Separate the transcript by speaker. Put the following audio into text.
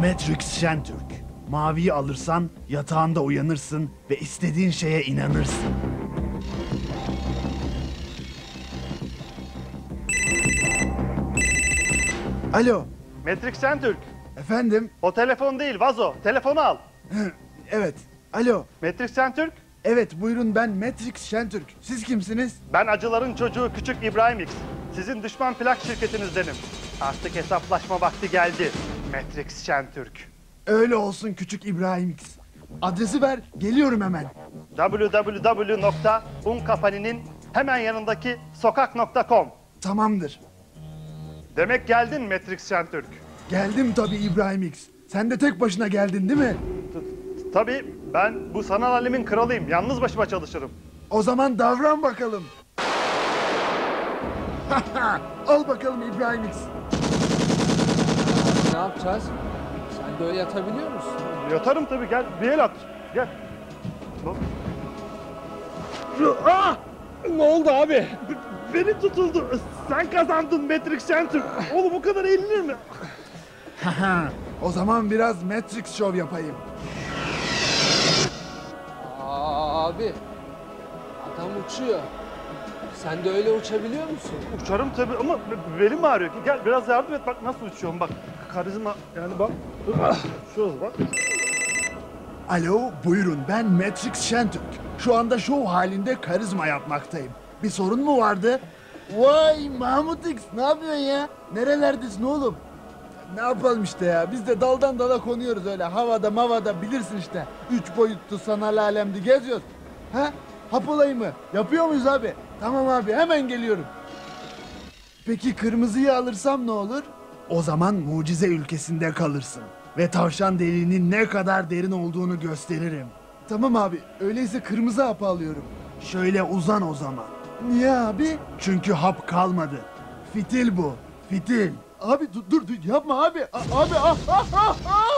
Speaker 1: Matrix Şentürk. Maviyi alırsan yatağında uyanırsın ve istediğin şeye inanırsın. Alo,
Speaker 2: Matrix Şentürk.
Speaker 1: efendim?
Speaker 2: O telefon değil, vazo. Telefonu al.
Speaker 1: Evet, alo.
Speaker 2: Matrix Şentürk.
Speaker 1: Evet, buyurun, ben Matrix Şentürk. Siz kimsiniz?
Speaker 2: Ben acıların çocuğu Küçük İbrahim X. Sizin düşman plak şirketinizdenim. Artık hesaplaşma vakti geldi. Matrix Şentürk.
Speaker 1: Öyle olsun küçük İbrahim X. Adresi ver, geliyorum hemen.
Speaker 2: www.unkapani'nin hemen yanındaki sokak.com.
Speaker 1: Tamamdır.
Speaker 2: Demek geldin Matrix Şentürk.
Speaker 1: Geldim tabii İbrahim X. Sen de tek başına geldin değil mi?
Speaker 2: Tabii ben bu sanal alemin kralıyım. Yalnız başıma çalışırım.
Speaker 1: O zaman davran bakalım. Al bakalım İbrahim X.
Speaker 3: Ne yapacağız? Sen de öyle yatabiliyor musun?
Speaker 2: Yatarım tabii, gel bir el at. Gel. Bak.
Speaker 3: Ne oldu abi?
Speaker 2: Beni tutuldu. Sen kazandın Matrix Şentürk. Oğlum o kadar eğlenir mi?
Speaker 1: O zaman biraz Matrix Show yapayım.
Speaker 3: Abi, adam uçuyor. Sen de öyle uçabiliyor musun?
Speaker 2: Uçarım tabii ama belim ağrıyor. Gel biraz yardım et, bak nasıl uçuyorum bak. Karizma yani bak. Şurası bak.
Speaker 1: Alo, buyurun, ben Matrix Şentürk. Şu anda şov halinde karizma yapmaktayım. Bir sorun mu vardı? Vay Mahmut X, ne yapıyorsun ya? Nerelerdesin oğlum? Ne yapalım işte ya, biz de daldan dala konuyoruz öyle havada mavada, bilirsin işte. 3 boyutlu sanal alemde geziyoruz. Ha? Hap olayı mı? Yapıyor muyuz abi? Tamam abi, hemen geliyorum. Peki kırmızıyı alırsam ne olur? O zaman mucize ülkesinde kalırsın. Ve tavşan deliğinin ne kadar derin olduğunu gösteririm. Tamam abi, öyleyse kırmızı hapı alıyorum. Şöyle uzan o zaman. Niye abi? Çünkü hap kalmadı. Fitil bu, fitil. Abi dur yapma abi. Abi